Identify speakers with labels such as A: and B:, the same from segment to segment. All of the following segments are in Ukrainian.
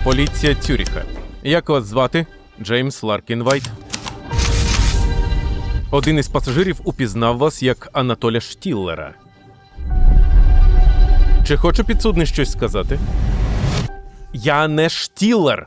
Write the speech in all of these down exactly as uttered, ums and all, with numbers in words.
A: Поліція Цюріха. Як вас звати? Джеймс Ларкін Вайт. Один із пасажирів упізнав вас як Анатоля Штіллера. Чи хоче підсудний щось сказати? Я не Штіллер.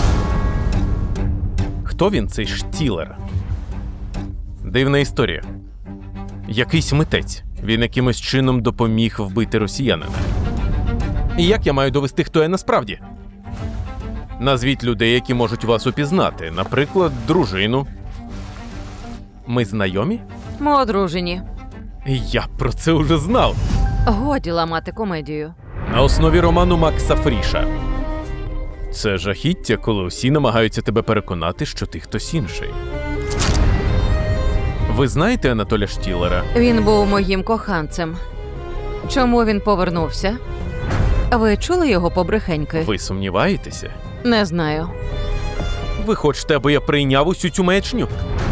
A: Хто він, цей Штіллер? Дивна історія. Якийсь митець. Він якимось чином допоміг вбити росіянина. І як я маю довести, хто я насправді? Назвіть людей, які можуть вас упізнати. Наприклад, дружину. Ми знайомі?
B: Ми одружені.
A: Я про це вже знав.
B: Годі ламати комедію.
A: На основі роману Макса Фріша. Це жахіття, коли усі намагаються тебе переконати, що ти хтось інший. Ви знаєте Анатоля Штіллера?
B: Він був моїм коханцем. Чому він повернувся? Ви чули його побрехеньки?
A: Ви сумніваєтеся?
B: Не знаю.
A: Ви хочете, аби я прийняв усю цю маячню?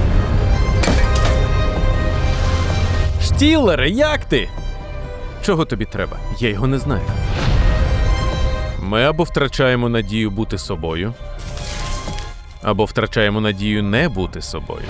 A: Штіллере, як ти? Чого тобі треба? Я його не знаю. Ми або втрачаємо надію бути собою, або втрачаємо надію не бути собою.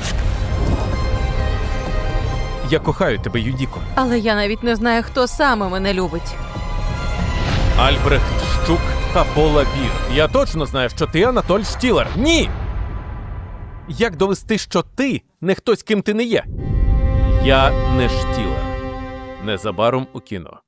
A: Я кохаю тебе, Юдіко.
B: Але я навіть не знаю, хто саме мене любить.
A: Альбрехт Щук та Пола Бір. Я точно знаю, що ти Анатоль Штіллер. Ні! Як довести, що ти не хтось, ким ти не є? Я не Штіллер. Незабаром у кіно.